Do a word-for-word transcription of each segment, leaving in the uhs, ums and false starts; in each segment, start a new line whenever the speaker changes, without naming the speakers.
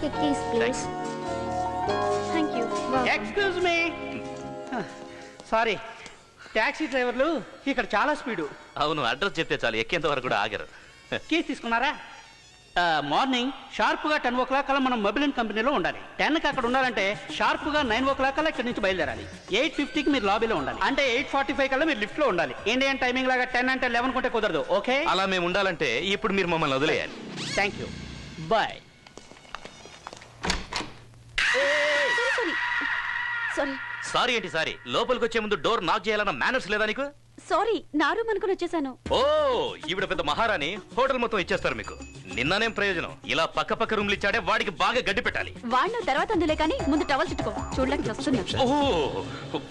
take a keys, please. Thank you.
Excuse me. Sorry. Taxi డ్రైవర్లు ఇక్కడ చాలా speed.
అవును, అడ్రస్ చెప్తే చాలు ఎక్కేంత వరకు కూడా ఆగరు.
కీస్ తీసుకున్నారా? మార్నింగ్ షార్ప్గా టెన్ ఓ క్లాక్ కల్లా మనం మొబైల్ కంపెనీలో ఉండాలి. టెన్కి అక్కడ ఉండాలంటే షార్ప్గా నైన్ ఓ క్లాక్ కల్లా ఇక్కడ నుంచి బయలుదేరాలి. ఎయిట్ ఫిఫ్టీకి మీరు లాబీలో ఉండాలి. అంటే ఎయిట్ ఫార్టీ ఫైవ్ కల్లా మీరు లిఫ్ట్లో ఉండాలి. ఇండియన్ టైమింగ్ లాగా టెన్ అంటే లెవెన్ కొంటే కుదరదు. ఓకే?
అలా మేము ఉండాలంటే ఇప్పుడు మీరు మమ్మల్ని వదిలేయాలి.
Thank you. Bye.
Sorry
sorry ఏంటి సారీ? లోపలికి వచ్చే ముందు డోర్ నాక్ చేయాలన్న మేనర్స్ లేదా నీకు?
సారీ, నా రూమ్ అనుకుని వచ్చేసాను.
ఓ, ఈవిడ పెద్ద మహారాణి, హోటల్ మొత్తం ఇచ్చేస్తారు మీకు. నిన్ననేం ప్రయోజనం? ఇలా పక్క పక్క రూమ్లు ఇచ్చాడే వాడికి బాగా గడ్డి పెట్టాలి.
వాడిన తర్వాత అందులే కానీ ముందు టవల్ చుట్టుకో. చూడలేక వస్తున్నా.
ఓ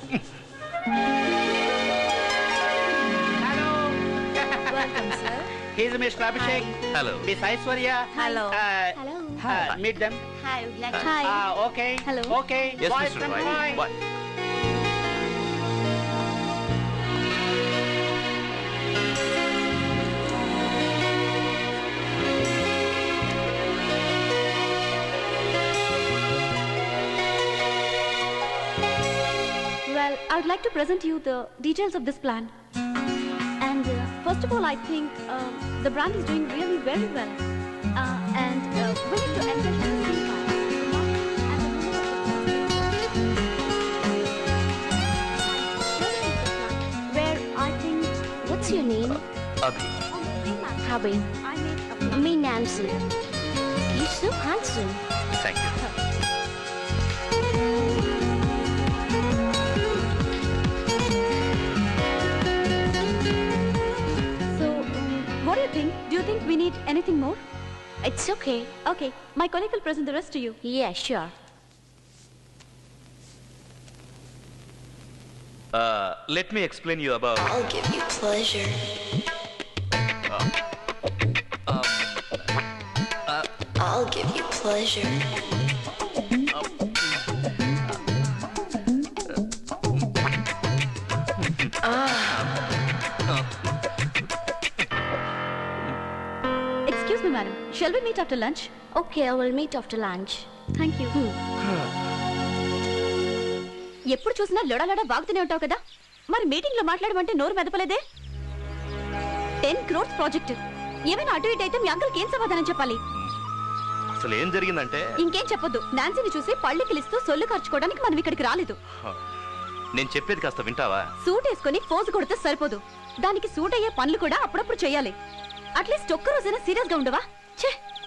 He's Mister Abhishek.
Hello.
Miss Aishwarya.
Hello.
Uh,
Hello.
Uh, meet them.
Hi. Hi.
Ah, okay.
Hello.
Okay.
Yes,
Boys
Mister
and
Roy.
boys.
Bye.
Well, I would like to present you the details of this plan. And uh, first of all, I think uh, the brand is doing really very well. Uh, and uh, we need to encourage the same part. Where I think...
What's your name?
Abhi.
Abhi.
I made a plan.
Me, Nancy. You're so handsome.
Thank you.
So, um, what do you think? Do you think we need anything more?
It's okay.
Okay, my colleague will present the rest to you.
Yeah, sure.
Uh, let me explain you about.
I'll give you pleasure.
Um, uh,
I'll give you pleasure.
Excuse me, madam. Shall we meet after lunch?
Okay, I will meet after lunch.
Thank you. ఎప్పుడు చూసినా లొడలొడ వాగుతూనే ఉంటావు కదా, మరి meeting లో మాట్లాడమంటే నోరు మెదపలేదే? Ten crores project ఏమైనా అటు ఇటు అయితే మీ అంకుల్కి ఏం సమాధానం చెప్పాలి?
అసలు ఏం జరిగిందంటే,
ఇంకేం చెప్పొద్దు. నాన్సీని చూసి పళ్ళు కిలిస్తూ సొల్లు ఖర్చుకోవడానికి మనం ఇక్కడికి రాలేదు.
నేను చెప్పేది కాస్త వింటావా?
సూట్ వేసుకుని ఫోజు కొడితే సరిపోదు, దానికి సూట్ అయ్యే పనులు కూడా అప్పుడప్పుడు చేయాలి. అట్లీస్ట్ ఒక్క రోజైనా సీరియస్ గా ఉండవా? ఛే!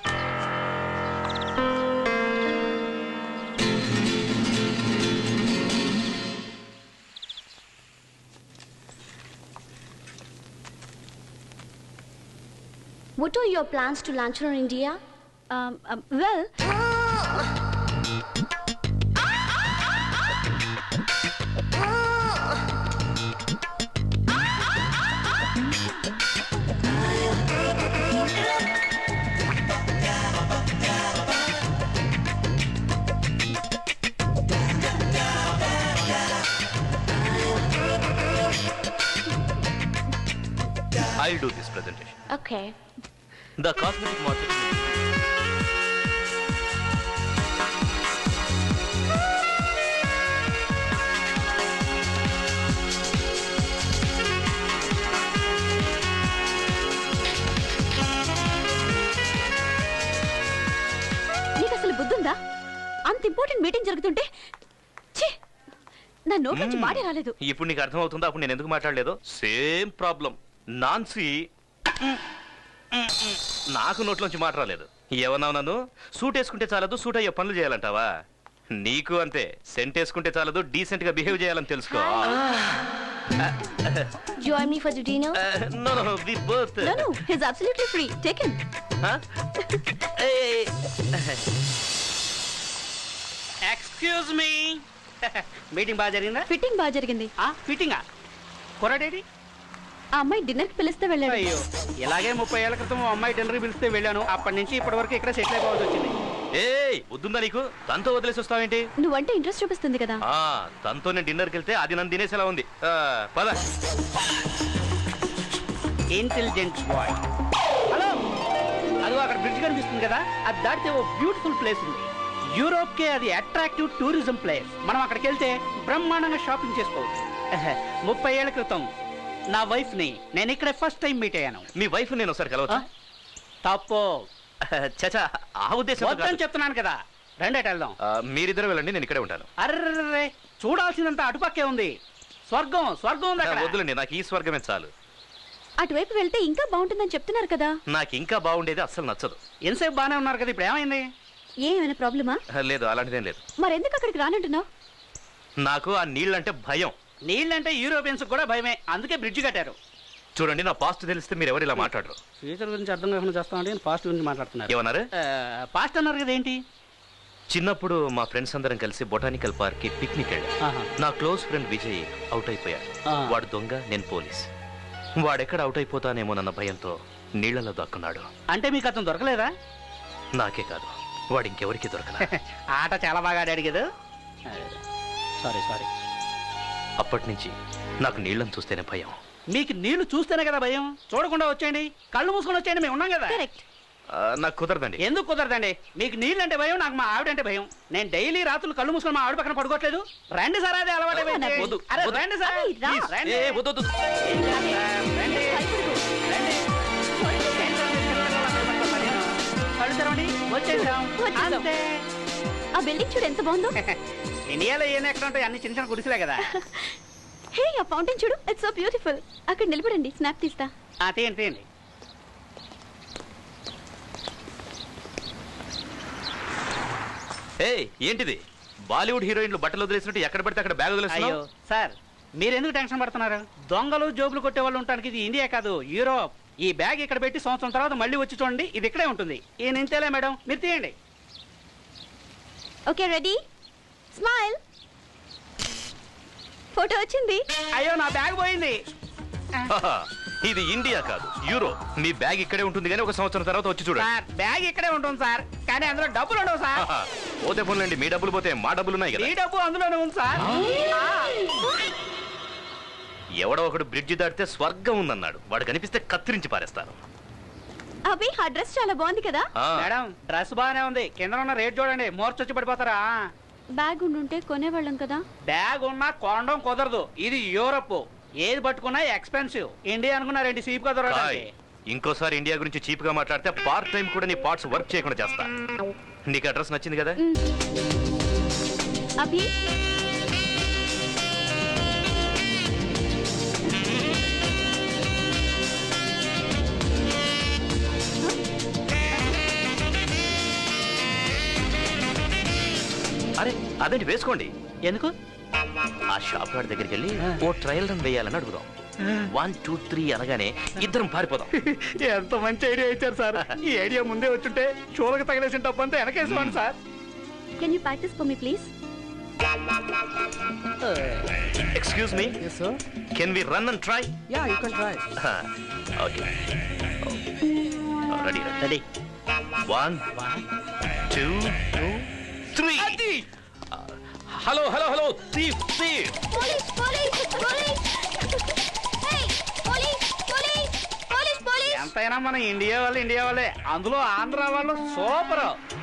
What are your plans to launch in India?
Um, um, well,
I'll do this presentation.
Okay.
The cosmetic market.
నీకు అసలు బుద్ధుందా? అంత ఇంపార్టెంట్ మీటింగ్ జరుగుతుంటే ఛీ, నా నోట్ నుంచి మాటే రాలేదు.
ఇప్పుడు నీకు అర్థం అవుతుందా అప్పుడు నేను ఎందుకు మాట్లాడలేదు? Same problem. నాన్సీ నాకు నోట్లోంచి మాట రాలేదు. ఏమన్నావు నన్ను? సూట్ వేసుకుంటే చాలదు, సూట్ అయ్యే పనులు చేయాలంటావా? నీకు అంతే. సెంట్ వేసుకుంటే చాలదు, డీసెంట్ గా బిహేవ్ చేయాలని తెలుసుకో.
Join me for the dinner?
No, no, we both.
No, no, he's absolutely free. Take him.
Huh? Hey.
Excuse me. Meeting బాగా జరిగిందా?
ఫిట్టింగ్ బాగా జరిగింది.
ఆ ఫిట్టింగా? కొరడేడి?
ఆ అమ్మాయి డిన్నర్ కి పిలిస్తే వెళ్ళాడు.
అయ్యో, ఇలాగే ముప్పై ఏళ్ల క్రితం అమ్మాయి డిన్నర్ పిలిస్తే వెళ్ళాను. అప్పటి నుంచి ఇప్పటి వరకు ఇక్కడ సెటిల్ అయిపోవాల్సి వచ్చింది.
ఏయ్, వద్దుందా నీకు? తనతో వదిలేసి వస్తావేంటి?
నువ్వంటే ఇంట్రెస్ట్ చూపిస్తుంది కదా.
ఆ తనతో నేను డిన్నర్కి వెళ్తే అది నన్ను తినేసేలా ఉంది. పద.
Intelligent boy. హలో, అదో అక్కడ బ్రిడ్జ్ కనిపిస్తుంది కదా, అది దాటితే ఓ బ్యూటిఫుల్ ప్లేస్ ఉంది. యూరోప్కే అది అట్రాక్టివ్ టూరిజం ప్లేస్. మనం అక్కడికి వెళ్తే బ్రహ్మాండంగా షాపింగ్ చేసుకోవచ్చు. ముప్పై ఏళ్ల క్రితం నా వైఫ్ ని నేను ఇక్కడ ఫస్ట్ టైం మీట్ అయ్యాను.
మీ వైఫ్ నేను ఒకసారి కలవచ్చా?
తప్పు.
చచా, ఆ ఉద్దేశం
వద్దని చెప్తున్నాను కదా. రండి అటు వెళ్దాం.
మీరిద్దరు వెళ్ళండి, నేను ఇక్కడే ఉంటాను.
అర్రే, చూడాల్సినంత అటుపక్కే ఉంది. స్వర్గం స్వర్గం ఉంది అక్కడ.
వద్దులండి, నాకు ఈ స్వర్గమే చాలు.
అటువైపు వెళ్తే ఇంకా బాగుంటుందని చెప్తున్నారు కదా.
నాకు ఇంకా బాగుండేది అస్సలు నచ్చదు.
ఎంతసేపు బాగానే ఉన్నారు కదా, ఇప్పుడు ఏమైంది?
ఏమైనా ప్రాబ్లమా?
లేదు, అలాంటిదేం లేదు.
మరెందుకు అక్కడికి రానంటున్నావు?
నాకు ఆ నీళ్ళంటే భయం.
నీళ్ళంటే యూరోపియన్స్ కూడా భయమే, అందుకే బ్రిడ్జ్ కట్టారు.
చూడండి, నా పాస్ట్ తెలిస్తే మీరు ఎవరు ఇలా మాట్లాడరు.
ఫ్యూచర్ గురించి అర్థం కాకుండా చేస్తామంటే పాస్ట్ గురించి మాట్లాడుతున్నారు.
ఏమన్నారు?
పాస్ట్ అన్నారు కదా, ఏంటి?
చిన్నప్పుడు మా ఫ్రెండ్స్ అందరం కలిసి బొటానికల్ పార్క్ కి పిక్నిక్ వెళ్ళాం. నా క్లోజ్ ఫ్రెండ్ విజయ్ అవుట్ అయిపోయాడు. వాడు దొంగ, నేను పోలీస్. వాడెక్కడ అవుట్ అయిపోతానేమోనన్న భయంతో నీళ్లలో దాక్కున్నాడు.
అంటే మీకు అతను దొరకలేదా?
నాకే కాదు, వాడు ఇంకెవరికి దొరకలా.
ఆట చాలా బాగా ఆడాడు కదా. Sorry sorry.
అప్పటి నుంచి నాకు నీళ్ళని చూస్తేనే భయం.
మీకు నీళ్లు చూస్తేనే కదా భయం. చూడకుండా వచ్చేయండి, కళ్ళు మూసుకొని వచ్చేయండి, మేము ఉన్నాం కదా.
కరెక్ట్.
నాకు కుదరదండి.
ఎందుకు కుదరదండి? మీకు నీళ్ళు అంటే భయం, నాకు మా ఆవిడంటే భయం. నేను డైలీ రాత్రులు కళ్ళు మూసుకొని మా ఆవిడ పక్కన పడుకోవట్లేదు. రండి సార్, అదే అలవాటు. రండి సార్. కళ్ళు తెరవండి, వచ్చేసాం.
ఆ బిల్డింగ్ చూడు ఎంత బాగుందో.
ఇండియాలో ఏం ఎక్కడ ఉంటాయి, అన్ని చిన్న చిన్న గుడిసెలే కదా.
హే, ఆ ఫౌంటైన్ చూడు, ఇట్స్ సో బ్యూటిఫుల్. అక్కడ నిలబడండి, స్నాప్ తీస్తా.
తీయండి తీయండి.
ఏ ఏంటిది? బాలీవుడ్ హీరోయిన్లు బట్టలు వదిలేసినట్టు ఎక్కడ పడితే అక్కడ బ్యాగ్ వదిలేస్తున్నావు?
సార్, మీరు ఎందుకు టెన్షన్ పడుతున్నారు? దొంగలు జోబులు కొట్టే వాళ్ళు ఉంటానికి ఇది ఇండియా కాదు, యూరోప్. ఈ బ్యాగ్ ఇక్కడ పెట్టి సంవత్సరం తర్వాత మళ్ళీ వచ్చి చూడండి, ఇది ఇక్కడే ఉంటుంది. ఈ నింతేలే మేడం, మీరు తీయండి.
Okay, ready, smile. ఫోటో వచ్చింది.
అయ్యో, నా బ్యాగ్ పోయింది.
ఇది ఇండియా కాదు, యూరోప్. మీ బ్యాగ్ ఇక్కడే ఉంటుంది కానీ ఒక సంవత్సరం తర్వాత వచ్చి చూడండి.
సార్, బ్యాగ్ ఇక్కడే ఉంటుంది సార్, కానీ అందులో డబ్బులు ఉండవు సార్.
పోతే పోన్లండి, మీ డబ్బులు పోతే మా డబ్బులు ఉన్నాయి కదా.
ఈ డబ్బు అందులోనే ఉంది సార్.
ఎవడో ఒకడు బ్రిడ్జి దాటితే స్వర్గం ఉందన్నాడు. వాడు కనిపిస్తే కత్తిరించి పారేస్తాను.
అభి, ఆ డ్రెస్ చాలా బాగుంది కదా.
మేడం, డ్రెస్ బాగానే ఉంది, కింద ఉన్న రేట్ చూడండి, మోర్చొచ్చి పడిపోతారా.
బ్యాగ్ ఉండుంటే కొనేవాళ్ళం కదా.
బ్యాగ్ ఉన్నా కొనడం కుదరదు, ఇది యూరప్. ఏది పట్టుకున్నా ఎక్స్పెన్సివ్. ఇండియా అనుకున్నారండి చీప్ గా దొరకడానికి.
ఇంకోసారి ఇండియా గురించి చీప్ గా మాట్లాడితే పార్ట్ టైం కూడా నీ పార్ట్స్ వర్క్ చేయకుండా చేస్తా. నీకు అడ్రస్ నచ్చింది కదా?
అభి,
అరే అదేంటి, వేసుకోండి.
ఎందుకు?
ఆ షాప్ వాడి దగ్గరికి వెళ్ళి ఓ ట్రయల్ రన్ వేయాలని అడుగుదాం. వన్ టూ త్రీ అనగానే ఇద్దరం పారిపోదాం.
ఎంత మంచి ఐడియా ఇచ్చారు సార్. ఈ ఐడియా ముందే వచ్చుంటే షోలకు తగిలేసిన డబ్బు అంతా వెనకేసుకోండి sir.
Can you practice for me please?
Excuse me, can we run and try?
Yeah, you can try.
Okay, ready
ready.
One two three. Hello hello hello, thief thief.
Police police police hey police police police police.
ఎంతైనా మన India వాళ్ళు India వాళ్ళే, అందులో ఆంధ్ర వాళ్ళు super.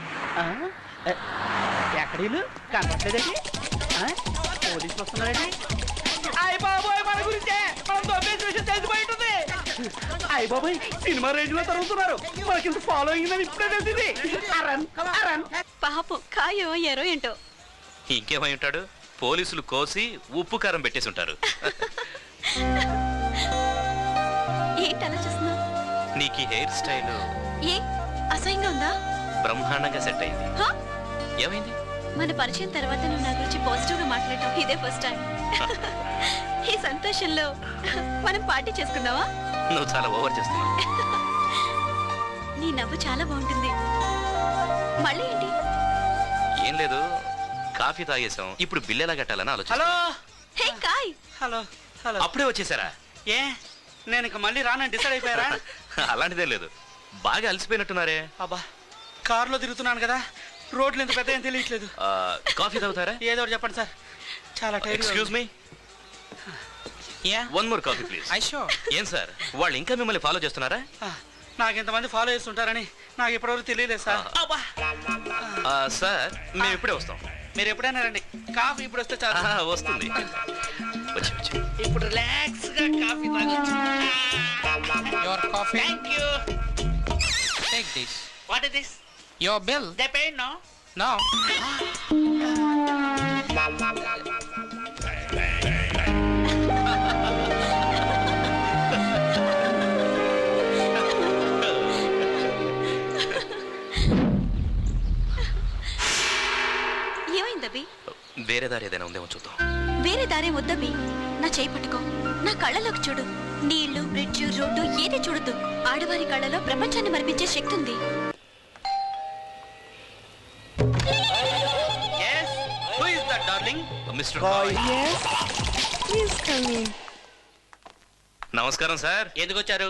ఎక్కడీలు కనపట్లేదండి? పోలీసులు వస్తున్నారండి. అయ్య బాబోయ్, మన గురించే, మనం దొబ్బేసిన విషయం తెలిసిపోయి ఉంటుంది. అయ్య బాబోయ్, సినిమా రేంజ్ లో తరుగుతున్నారు. మనకింత ఫాలోయింగ్ అని ఇప్పుడే తెలిసింది. అరన్ అరన్.
పాపం, కాయో ఎరో ఏంటో.
ఇంకేమై ఉంటాడు? పోలీసులు కోసి ఉప్పు కారం పెట్టేసి ఉంటారు.
ఏంటి అలా చూస్తున్నావు?
నీకు ఈ హెయిర్ స్టైల్
ఏ అసహ్యంగా ఉందా?
బ్రహ్మాండంగా సెట్ అయింది. ఏమైంది?
మన పరిచయం తర్వాత నువ్వు నా గురించి పాజిటివ్ గా మాట్లాడటం ఇదే ఫస్ట్ టైం. ఈ సంతోషంలో మనం పార్టీ చేసుకుందావా?
నువ్వు చాలా ఓవర్ చేస్తున్నావు.
నీ నవ్వు చాలా బాగుంటుంది. మళ్ళీ ఏంటి?
ఏం లేదు, కాఫీ తాగేసాం, ఇప్పుడు బిల్ ఎలా కట్టాలని ఆలోచన.
Hello.
Hey Kai.
Hello hello.
అప్పుడే వచ్చేసారా?
ఏ, నేను ఇక మళ్ళీ రానని డిసైడ్ అయిపోయారా?
అలాంటిదే లేదు, బాగా అలసిపోయినట్టున్నారే.
అబ్బా, కారులో తిరుగుతున్నాను కదా, రోడ్లు ఎంత పెద్ద ఏం తెలియట్లేదు.
కాఫీ తాగుతారా?
ఏదో ఒకటి చెప్పండి సార్, చాలా time.
Excuse me, one more coffee please. ఏం సార్, వాళ్ళు ఇంకా మిమ్మల్ని ఫాలో చేస్తున్నారా?
నాకు ఇంతమంది ఫాలో చేస్తుంటారని నాకు ఇప్పటివరకు తెలియలేదు సార్.
సార్ మేము ఇప్పుడే వస్తాం.
మీరు ఎప్పుడైనా రండి. కాఫీ ఇప్పుడు వస్తే చాలా
వస్తుంది. వచ్చి వచ్చి
ఇప్పుడు రిలాక్స్ గా కాఫీ తాగొచ్చు.
Your coffee.
Thank you.
Take this.
What is this?
Your bill.
They pay no?
No.
ఏమైందబ్బి?
వేరే దారి ఏదైనా ఉందేమో చూద్దాం.
వేరే దారే వద్దబ్బి. నా చేయి పట్టుకో, నా కళ్ళలోకి చూడు. నీళ్లు, బ్రిడ్జ్, రోడ్డు ఏది చూడద్దు. ఆడవారి కళ్ళలో ప్రపంచాన్ని మరిపించే శక్తి ఉంది.
yes who is that darling?
Mister Kai.
Yes, please come in.
నమస్కారం సార్.
ఎందుకు వచ్చారు?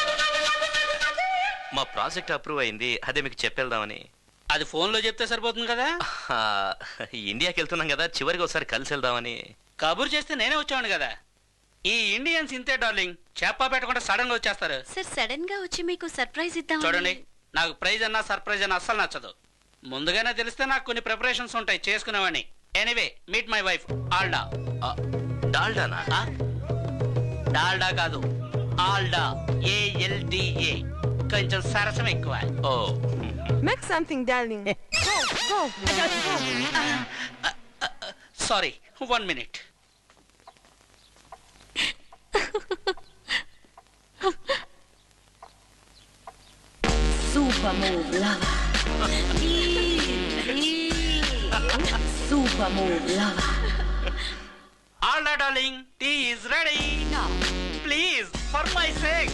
మా ప్రాజెక్ట్ అప్రూవ్ అయింది, అదే మీకు చెప్పేద్దామని.
అది ఫోన్ లో చెప్తే సరిపోతుంది కదా.
ఇండియాకి వెళ్తున్నాం కదా, చివరికి ఒకసారి కలిసి వెళ్దామని.
కబురు చేస్తే నేనే వచ్చాను కదా. ఈ ఇండియన్స్ ఇంతే డార్లింగ్, చేప పెట్టకుండా సడన్ గా వచ్చేస్తారు.
సార్ సడన్ గా వచ్చి మీకు సర్ప్రైజ్ ఇద్దాం.
చూడండి, నాకు ప్రైజ్ అన్నా సర్ప్రైజ్ అన్నా అస్సలు నచ్చదు. ముందుగానే తెలిస్తే నాకు కొన్ని ప్రిపరేషన్స్ ఉంటాయి చేసుకునేవాడిని. Anyway meet my wife Alda.
డాల్డానా?
డాల్డా కాదు, ఆల్డా. ఏఎల్డిఏ. కొంచెం సరసం ఎక్కువ.
Oh
Make something, darling. Go, go.
Sorry, one minute.
Super move, lover. Super move, lover.
Alda darling, tea is ready. Please for my sake.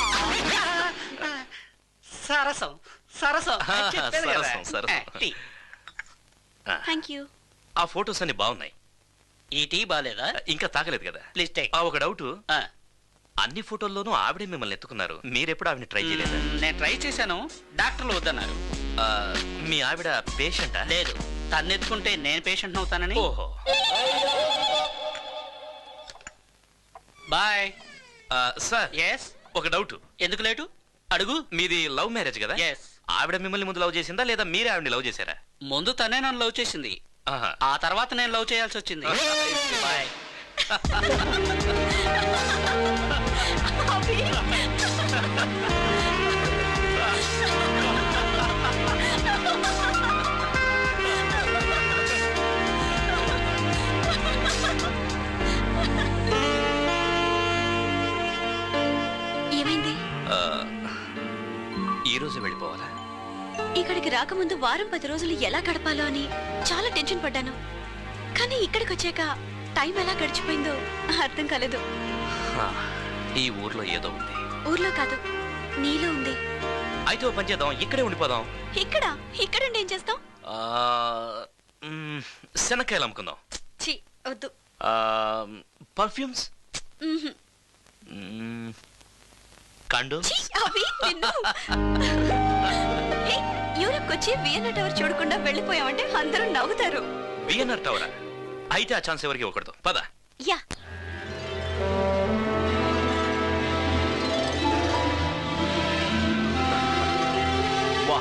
సరసం సరసం
సరసం సరసం.
Thank you.
ఆ ఫొటోస్ అన్ని బాగున్నాయి.
ఈ టీ బాలేదా?
ఇంకా తాగలేదు కదా.
Please take.
ఆ ఒక డౌట్, అన్ని ఫోటోల్లోనూ ఆవిడే మిమ్మల్ని ఎత్తుకున్నారు, మీరెప్పుడు ఆవిడని ట్రై చేయలేదు?
నేను ట్రై చేశాను, డాక్టర్లు వద్దన్నారు.
మీ ఆవిడ పేషెంటా?
లేదు, తను ఎత్తుకుంటే నేను పేషెంట్ అవుతానని.
ఓహో.
Bye
sir.
ఎస్.
ఒక డౌట్.
ఎందుకు లేటు? అడుగు.
మీది లవ్ మ్యారేజ్ కదా?
ఎస్.
ఆవిడ మిమ్మల్ని ముందు లవ్ చేసిందా లేదా మీరే ఆవిడని లవ్ చేశారా?
ముందు తనే నన్ను లవ్ చేసింది, ఆ తర్వాత నేను లవ్ చేయాల్సి వచ్చింది. బాయ్.
ఏమైంది?
ఈ రోజు వెళ్ళిపోవాలా?
ఇక్కడికి రాకముందు వారం పది రోజులు ఎలా గడపాలో అని చాలా టెన్షన్ పడ్డాను. కానీ ఇక్కడికి వచ్చాక టైం ఎలా గడిచిపోయిందో అర్థం కాలేదు.
ఈ ఊర్లో ఏదో ఉంది.
ఊర్లో కాదు, నీలో ఉంది.
అయితే ఓ పని చేద్దాం, ఇక్కడే ఉండిపోదాం.
ఇక్కడ ఇక్కడుండి ఏం చేస్తాం?
శనక్కాయలు అమ్ముకుందాం.
ఛీ, వద్దు.
Perfumes, condoms.
యూరప్ వచ్చి వియన్నా టవర్ చూడకుండా వెళ్ళిపోయామంటే అందరూ నవ్వుతారు.
వియన్నా టవరా? అయితే ఆ ఛాన్స్ ఎవరికి ఇవ్వకూడదు. పద.
యా.
వా.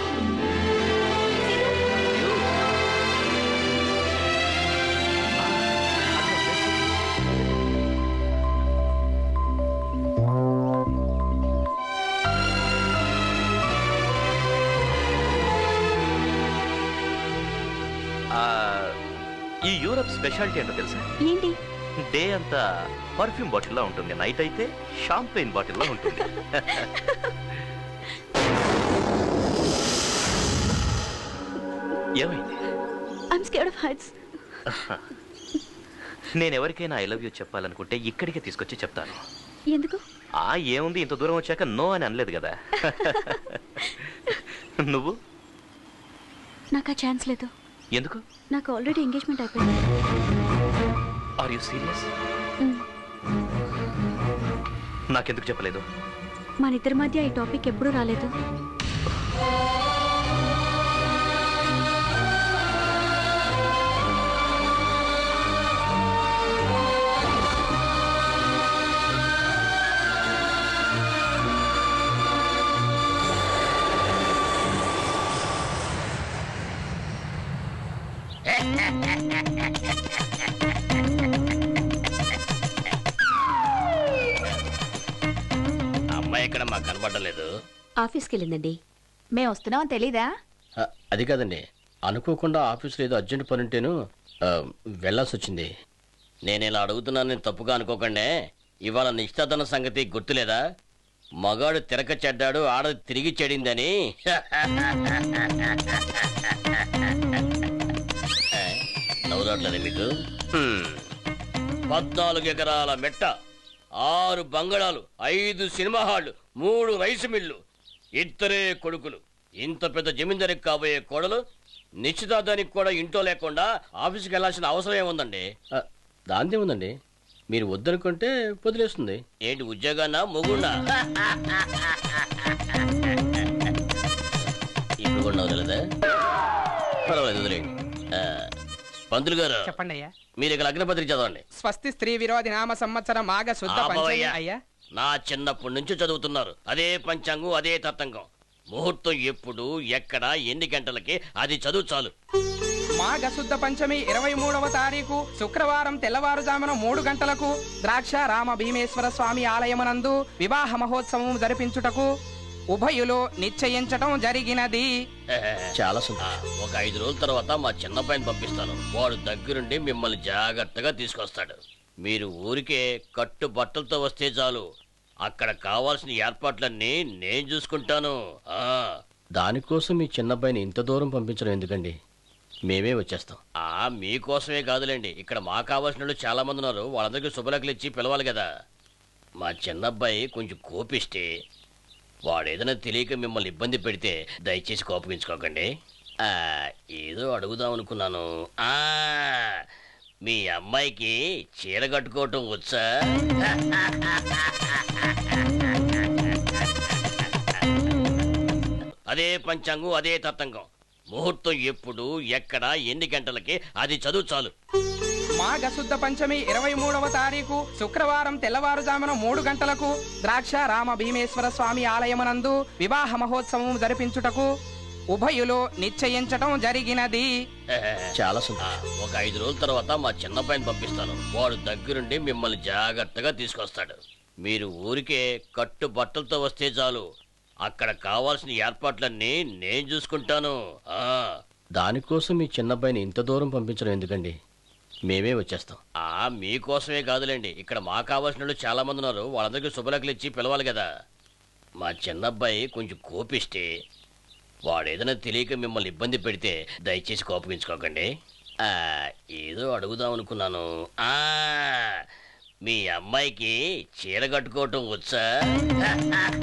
ఈ యూరప్ స్పెషాలిటీ ఏంటో తెలుసా?
ఏంటి?
డే అంతా పర్ఫ్యూమ్ బాటిల్లో ఉంటుంది, నైట్ అయితే షాంపెయిన్ బాటిల్లో ఉంటుంది. ఏమైంది?
I'm scared of heights.
నేను ఎవరికైనా ఐ లవ్ యూ చెప్పాలనుకుంటే ఇక్కడికే తీసుకొచ్చి చెప్తాను.
ఎందుకు?
ఆ ఏముంది, ఇంత దూరం వచ్చాక నో అని అనలేదు కదా. నువ్వు?
నాకు ఆ ఛాన్స్ లేదు.
ఎందుకు?
నాకు ఆల్రెడీ ఎంగేజ్మెంట్ అయిపోయింది.
Are you serious? నాకెందుకు చెప్పలేదు?
మన ఇద్దరి మధ్య ఈ టాపిక్ ఎప్పుడూ రాలేదు.
అమ్మాయి ఇక్కడ మాకు కనబడలేదు.
ఆఫీస్కి వెళ్ళిందండి. మేము వస్తున్నాం తెలీదా?
అది కాదండి, అనుకోకుండా ఆఫీస్లో ఏదో అర్జెంట్ పని ఉంటేను వెళ్ళాల్సి వచ్చింది. నేను ఇలా అడుగుతున్నానని తప్పుగా అనుకోకండి. ఇవాళ నిశ్చితార్థన సంగతి గుర్తులేదా? మగాడు తిరక చెడ్డాడు, ఆడది తిరిగి చెడిందని. నవ్వురాట్లేదు మీకు? పద్నాలుగు ఎకరాల మెట్ట, ఆరు బంగళాలు, ఐదు సినిమా హాళ్లు, మూడు రైసు మిల్లు, ఇద్దరే కొడుకులు. ఇంత పెద్ద జమీందారికి కాబోయే కోడలు నిశ్చితార్థానికి కూడా ఇంట్లో లేకుండా ఆఫీస్కి వెళ్ళాల్సిన అవసరం ఏముందండి? దాందే ఉందండి, మీరు వద్దనుకుంటే వదిలేస్తుంది. ఏంటి ఉద్యోగాన్నా మొగున్నా? ఇప్పుడు కూడా వదలదా? పర్వాలేదు, వదిలేండి. పంతులు గారు
చెప్పండి అయ్యా.
మీరు ఇక్కడ అగ్నిపత్రిక చదవండి.
స్వస్తి స్త్రీ విరోధి నామ సంవత్సరం మాఘ శుద్ధ పంచమి. అయ్యా,
నా చిన్నప్పటి నుంచి చదువుతున్నారు. అదే పంచాంగం, అదే తతంగం. ముహూర్తం ఎప్పుడు, ఎక్కడ, ఎన్ని గంటలకి, అది చదువు చాలు.
మాఘ శుద్ధ పంచమి ఇరవై మూడవ తారీఖు శుక్రవారం తెల్లవారుజామున మూడు గంటలకు ద్రాక్ష రామ భీమేశ్వర స్వామి ఆలయమునందు వివాహ మహోత్సవం జరిపించుటకు ఉభయులు నిశ్చయించటం జరిగినది.
చాలా సంతోషం. ఒక ఐదు రోజుల తర్వాత మా చిన్నపైన పంపిస్తాను. వాడు దగ్గరుండి మిమ్మల్ని జాగ్రత్తగా తీసుకొస్తాడు. మీరు ఊరికే కట్టు బట్టలతో వస్తే చాలు. అక్కడ కావాల్సిన ఏర్పాట్లన్నీ నేను చూసుకుంటాను. దానికోసం మీ చిన్నబ్బాయిని ఇంత దూరం పంపించడం ఎందుకండి? మేమే వచ్చేస్తాం. ఆ మీకోసమే కాదులేండి, ఇక్కడ మా కావాల్సిన వాళ్ళు చాలా మంది ఉన్నారు. వాళ్ళందరికీ శుభలేఖలు ఇచ్చి పిలవాలి కదా. మా చిన్నబ్బాయి కొంచెం కోపిస్తే, వాడేదైనా తెలియక మిమ్మల్ని ఇబ్బంది పెడితే దయచేసి కోపగించుకోకండి. ఏదో అడుగుదాం అనుకున్నాను. ఆ మీ అమ్మాయికి చీర కట్టుకోవటం వచ్చా? అదే పంచాంగం, అదే తతంగం. ముహూర్తం ఎప్పుడు, ఎక్కడ, ఎన్ని గంటలకి, అది చదువు చాలు.
మాఘ శుద్ధ పంచమి ఇరవై మూడవ తారీఖు శుక్రవారం తెల్లవారుజామున మూడు గంటలకు ద్రాక్ష రామ భీమేశ్వర స్వామి ఆలయమునందు వివాహ మహోత్సవం జరిపించుటకు ఉభయులు నిశ్చయించటం జరిగినది.
చాలా సంతోషం. ఒక ఐదు రోజుల తర్వాత మా చిన్నపైన పంపిస్తాను. వాడు దగ్గరుండి మిమ్మల్ని జాగ్రత్తగా తీసుకొస్తాడు. మీరు ఊరికే కట్టు బట్టలతో వస్తే చాలు. అక్కడ కావాల్సిన ఏర్పాట్లన్నీ నేను చూసుకుంటాను. దానికోసం మీ చిన్నబ్బాయిని ఇంత దూరం పంపించడం ఎందుకండి? మేమే వచ్చేస్తాం. ఆ మీకోసమే కాదులేండి, ఇక్కడ మా కావాల్సిన వాళ్ళు చాలా మంది ఉన్నారు. వాళ్ళందరికీ శుభలేఖలు ఇచ్చి పిలవాలి కదా. మా చిన్నబ్బాయి కొంచెం కోపిస్తే, వాడేదైనా తెలియక మిమ్మల్ని ఇబ్బంది పెడితే దయచేసి కోపగించుకోకండి. ఏదో అడుగుదాం అనుకున్నాను. ఆ మీ అమ్మాయికి చీర కట్టుకోవటం వచ్చా?